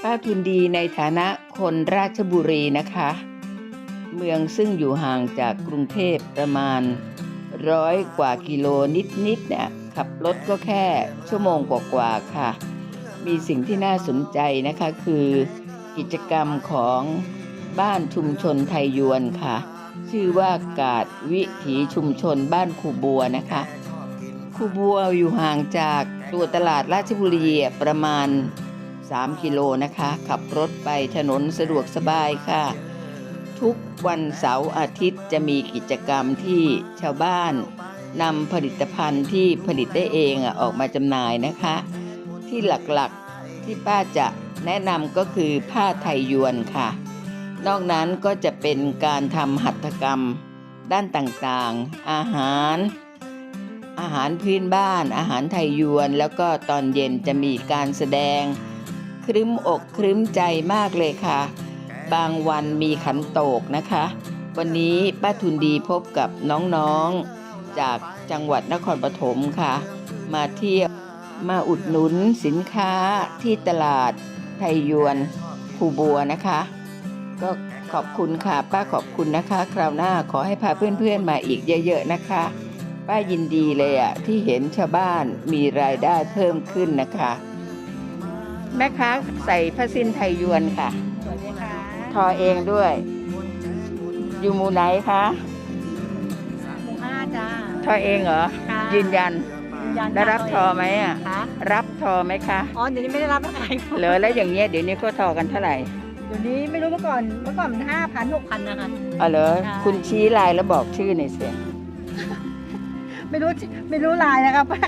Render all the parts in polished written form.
ป้าทุนดีในฐานะคนราชบุรีนะคะ เมืองซึ่งอยู่ห่างจากกรุงเทพประมาณ100 กว่ากิโลนิดเนี่ยขับรถก็แค่ชั่วโมงกว่าๆค่ะ มีสิ่งที่น่าสนใจนะคะคือกิจกรรมของบ้านชุมชนไทยยวนค่ะ ชื่อว่ากาดวิถีชุมชนบ้านคูบัวนะคะคูบัวอยู่ห่างจากตัวตลาดราชบุรีประมาณ3 กิโลนะคะขับรถไปถนนสะดวกสบายค่ะทุกวันเสาร์อาทิตย์จะมีกิจกรรมที่ชาวบ้านนำผลิตภัณฑ์ที่ผลิตได้เองออกมาจำหน่ายนะคะที่หลักๆที่ป้าจะแนะนำก็คือผ้าไทยยวนค่ะนอกนั้นก็จะเป็นการทำหัตถกรรมด้านต่างๆอาหารพื้นบ้านอาหารไทยยวนแล้วก็ตอนเย็นจะมีการแสดงครึ้มอกครึ้มใจมากเลยค่ะบางวันมีขันโตกนะคะวันนี้ป้าทุนดีพบกับน้องๆจากจังหวัดนครปฐมค่ะมาเที่ยวมาอุดหนุนสินค้าที่ตลาดไทยยวนคูบัวนะคะก็ขอบคุณค่ะป้าขอบคุณนะคะคราวหน้าขอให้พาเพื่อนๆมาอีกเยอะๆนะคะป้ายินดีเลยที่เห็นชาวบ้านมีรายได้เพิ่มขึ้นนะคะแม่ค้าใส่ผ้าสิ้นไทยยวนค่ะสวัสดีค่ะทอเองด้วยอยู่หมู่ไหนคะหมู่5จ้าทอเองเหรอค่ะยืนยันยันได้รับทอไหมคะรับทอไหมคะอ๋อเดี๋ยวนี้ไม่ได้รับอะไรเหลือแล้วอย่างเงี้ยเดี๋ยวนี้ก็ทอกันเท่าไหร่เดี๋ยวนี้ไม่รู้เมื่อก่อนมัน5,000 6,000นะคะอ๋อเหรอใช่คุณชี้ลายแล้วบอกชื่อหน่อยสิไม่รู้ลายนะครับป้า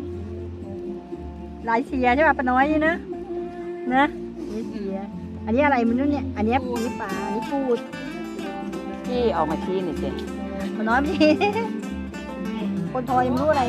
ลายเสียใช่ป่ะป้าน้อยนี่นะนี่เสียอันนี้อะไรมันนู่นเนี่ยอันนี้ปลาอันนี้ปูดพี่ออกมาชี้หน่อยสิป้าน้อยมีคนทอยยังไม่รู้อะไร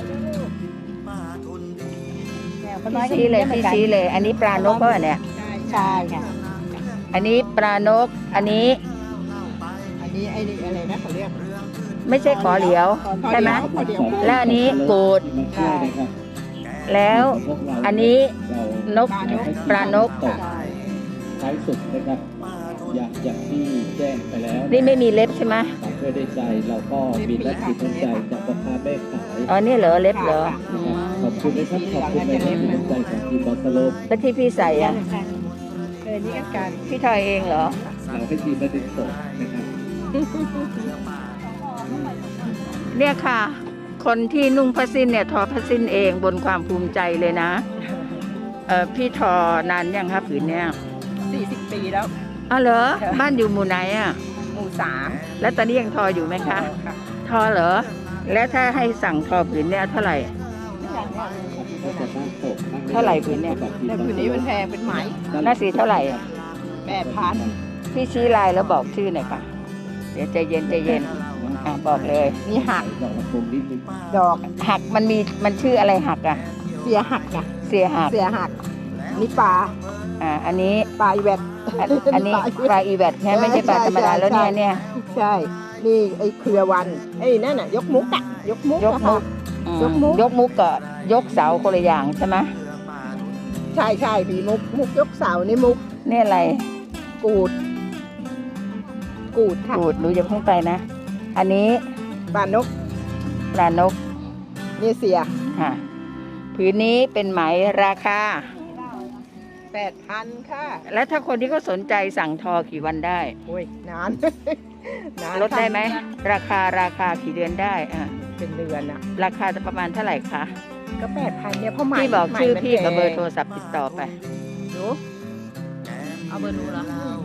เนี่ยป้าน้อยก็ชี้เลยหมืพี่อนกันชี้เลย อันนี้ปลานกก็เนี่ยใช่ค่ะอันนี้ปลานกอันนี้อันนี้ไอ้นี่อะไรนะเขาเรียกไม่ใช่ขอเหลียวใช่ไหมขอเหลียวแล้วอันนี้กูดใช่แล้วอันนี้นกปลานกท้ายสุดนะครับอย่างที่แจ้งไปแล้วนี่ไม่มีเล็บใช่ไหมฝากเพื่อได้ใจเราก็มีน้ำจิตน้ำใจจากพ่อค้าแม่ขายอ๋อนี่เหรอเล็บเหรออืมขอบคุณนะครับขอบคุณในน้ำจิตน้ำใจของทีมบอลสโลปแล้วที่พี่ใส่อ่ะนี่ก็การพี่ทอยเองเหรอเราให้ทีมมาติดต่อนะครับเนี่ยค่ะ คนที่นุ่งผ้าสิ้นเนี่ยทอผ้าสิ้นเองบนความภูมิใจเลยนะพี่ทอนานยังครับผืนเนี่ย 40 ปีแล้วอ๋อเหรอบ้านอยู่หมู่ไหนอ่ะหมู่3 แล้วตอนนี้ยังทออยู่ไหมคะ ทอเหรอแล้วถ้าให้สั่งทอผืนเนี่ยเท่าไหร่ก็จะตั้งโต๊ะนั่งเท่าไหร่ผืนเนี่ยแต่ผืนนี้มันแพงเป็นไหมหน้าสีเท่าไหร่อ่ะ 8,000 พี่ชี้ลายแล้วบอกชื่อหน่อยค่ะเดี๋ยวใจเย็นบอกเลยนี่หักดอกละคงนิดนึงดอกหักมันชื่ออะไรหักอ่ะเสียหักจ้ะเสียหักเสียหักนี่ปลาอันนี้ปลาอีแวดอันนี้ปลาอีแวดใช่ไหมไม่ใช่ปลาธรรมดาแล้วเนี่ยใช่ นี่ไอ้เครือวันไอ้นั่นน่ะยกมุกอะยกมุกยกอะมุค่ะกอืมยกมุกยกมุกกับยกเสาคนละอย่างใช่ไหมใช่มีมุกยกเสานี่มุกนี่อะไรกูดค่ะกูดหนูอย่าเพิ่งไปนะ อันนี้ปลานกปลานกนี่เสียค่ะผืนนี้เป็นไหมราคา 8,000ค่ะแล้วถ้าคนที่เขาสนใจสั่งทอกี่วันได้โอ้ยนาน นานลดได้ไหมราคากี่เดือนได้เป็นเดือนอะราคาจะประมาณเท่าไหร่คะก็8,000เนี่ยเพราะไหมพี่บอกชื่อไหมมันพี่กับแพงเบอร์โทรศัพท์ติดต่อไปดูเอาเบอร์หนูเหรอ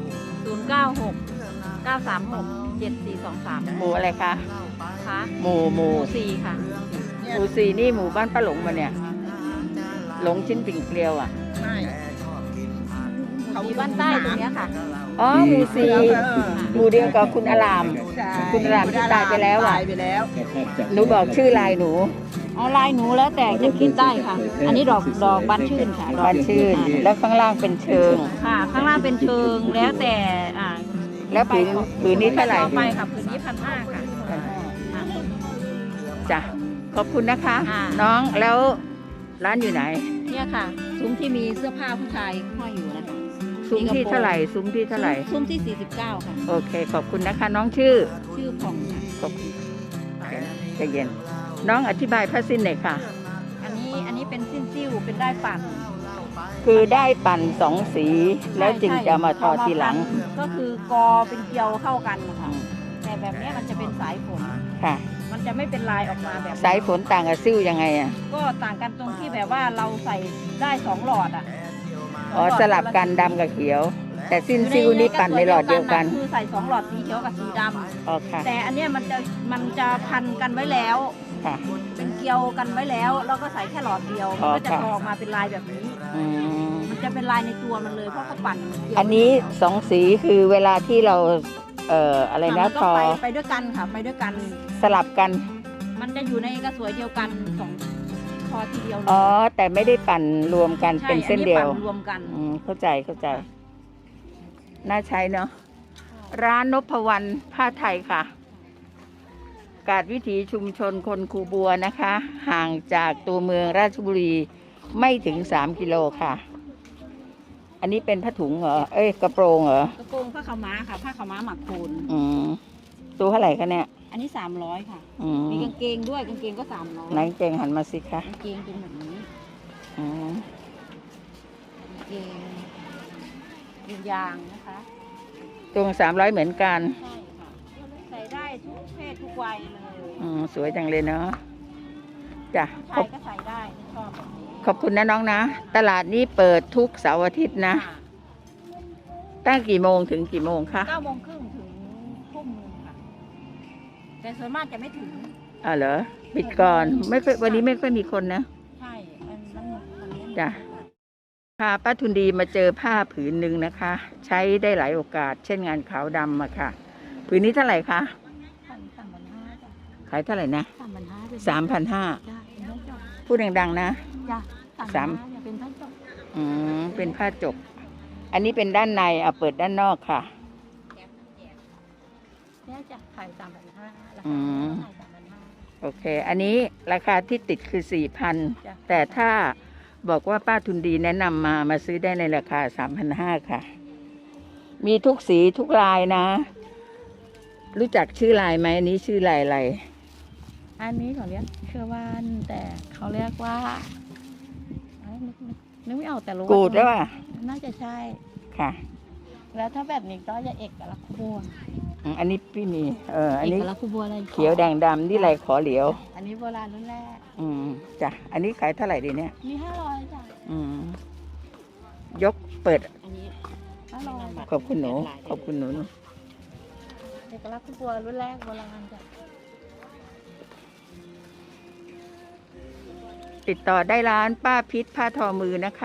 096 936 7423 หมู่อะไรคะค่ะหมู่หมู่4ค่ะหมู่สี่นี่หมู่บ้านป้าหลงมาเนี่ย หลงชิ้นปิ่งเกลียวอ่ะไม่อยู่บ้านใต้ตรงเนี้ยค่ะอ๋อหมู่สี่หมู่เดียวกับคุณอารามใช่คุณรามที่ตายไปแล้วอะตายไปแล้วแทบจะหนูบอกชื่อลายหนูเอาลายหนูแล้วแต่จะคิดได้ค่ะ อันนี้ดอกบานชื่นค่ะบ้านชื่น แล้วข้างล่างเป็นเชิงค่ะ ข้างล่างเป็นเชิงแล้วแต่แล้วผืนนี้เท่าไหร่ต่อไปค่ะผืนนี้1,500ค่ะอ่าจ้ะขอบคุณนะคะอ่าน้องแล้วร้านอยู่ไหนเนี่ยค่ะซซุ้มที่มีเสื้อผ้าผู้ชายห้อยอยู่นะคะซุ้มที่เท่าไหร่ซุ้มที่เท่าไหร่ซุ้มที่ 49 ค่ะโอเคขอบคุณนะคะ น้องชื่อชื่อผ่องค่ะขอบคุณใจเย็นน้องอธิบายผ้าสิ้นหน่อยค่ะอันนี้เป็นสิ้นซิ่วเป็นได้ปั่นคือได้ปั่นสองสีแล้วจึงจะมาทอทีหลังก็คือกอเป็นเกลียวเข้ากันนะคะแต่แบบเนี้ยมันจะเป็นสายฝนค่ะมันจะไม่เป็นลายออกมาแบบสายฝนต่างกับซิ่วยังไงอ่ะก็ต่างกันตรงที่แบบว่าเราใส่ได้2หลอดอ่ะอ๋อสลับกันดำกับเขียว แต่สิ้นซิ่วนี่ปั่นในหลอดเดียวกันคือใส่2หลอดสีเขียวกับสีดำอ๋อค่ะแต่อันเนี้ยมันจะพันกันไว้แล้วค่ะเป็นเกลียวกันไว้แล้วแล้วก็ใส่แค่หลอดเดียวมันก็จะค่ะออกมาเป็นลายแบบนี้อืมมันจะเป็นลายในตัวมันเลยเพราะเขาปั่นเกลียวอันนี้สองสีคือเวลาที่เราอะไรนะมันทก็อไปด้วยกันค่ะไปด้วยกันสลับกันมันจะอยู่ในกระสวยเดียวกันสองทอทีเดียวเลยอ๋อแต่ไม่ได้ปั่นรวมกันใช่เป็นเส้นเดียวอัปั่รวมกันเข้าใจเข้าใจ น่าใช้เนาะร้านนพวรรณผ้าไทยค่ะ กาดวิถีชุมชนคนคูบัวนะคะ ห่างจากตัวเมืองราชบุรีไม่ถึง3 กิโลค่ะ อันนี้เป็นผ้าถุงเหรอ เอ้ยกระโปรงเหรอกระโปรงผ้าขาวม้าค่ะผ้าขาวม้าหมักโคนอืมตัวเท่าไหร่คะเนี่ยอันนี้300ค่ะอืมมีกางเกงด้วยกางเกงก็300 ไหนเกงหันมาสิคะกางเกงเป็นแบบนี้อืมกางเกงเป็นยางนะคะตัว300เหมือนกันใช่ค่ะใส่ได้ทุกเพศทุกวัยเลยสวยจังเลยเนาะจ้ะผู้ชายก็ใส่ได้ชอบแบบนี้ขอบคุณนะน้องนะ ตลาดนี้เปิดทุกเสาร์อาทิตย์นะค่ะตั้งกี่โมงถึงกี่โมงคะ 9 โมงครึ่งถึงทุ่มนึงค่ะ แต่ส่วนมากจะไม่ถึงเหรอปิดก่อนไม่ค่อยวันนี้ไม่ค่อยมีคนนะใช่มันนี้จ้ะ พาป้าทุนดีมาเจอผ้าผืนหนึ่งนะคะ ใช้ได้หลายโอกาส เช่นงานขาวดำอะค่ะ ผืนนี้เท่าไหร่คะ 3,500จ้ะขายเท่าไหร่นะ 3,500เป็น 3,500 จ้ะเป็นผ้าจบพูดดังๆนะจ้ะสาม 3,500เนี่ยเป็นผ้าจบเป็นผ้าจก อันนี้เป็นด้านในเอาเปิดด้านนอกค่ะเนี่ยจะขาย3,500ราอืคาม ขาย3,500 โอเค อันนี้ราคาที่ติดคือจ้ะ 4,000 แต่ถ้าบอกว่าป้าทุนดีแนะนำมาซื้อได้ในราคา 3,500 ค่ะ มีทุกสีทุกลายนะ รู้จักชื่อลายไหมอันนี้ชื่อลายอะไรอันนี้เขาเรียกเชื่อว่านแต่เขาเรียกว่านึกไม่ออกแต่รู้ว่ากูดแล้วอ่ะน่าจะใช่ค่ะแล้วถ้าแบบนี้ก็จะเอกลักษณ์คู่บัวอันนี้พี่มี อันเอนี้กลักษณ์คู่บัวอะไรเขียวแดงดำนี่ลายขอเหลียวอันนี้โบราณรุ่นแรกจ้ะ อันนี้ขายเท่าไหร่ดีเนี่ยมี500จ้ะยกเปิดอันนี้500 ขอบคุณหนู ขอบคุณหนูเอกลักษณ์คู่บัวรุ่นแรกโบราณจ้ะติดต่อได้ร้านป้าพิษผ้าทอมือนะคะ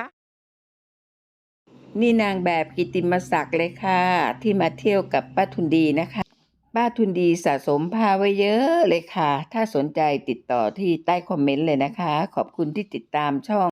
นี่นางแบบกิตติมศักดิ์เลยค่ะ ที่มาเที่ยวกับป้าทุนดีนะคะ ป้าทุนดีสะสมผ้าไว้เยอะเลยค่ะ ถ้าสนใจติดต่อที่ใต้คอมเมนต์เลยนะคะ ขอบคุณที่ติดตามช่อง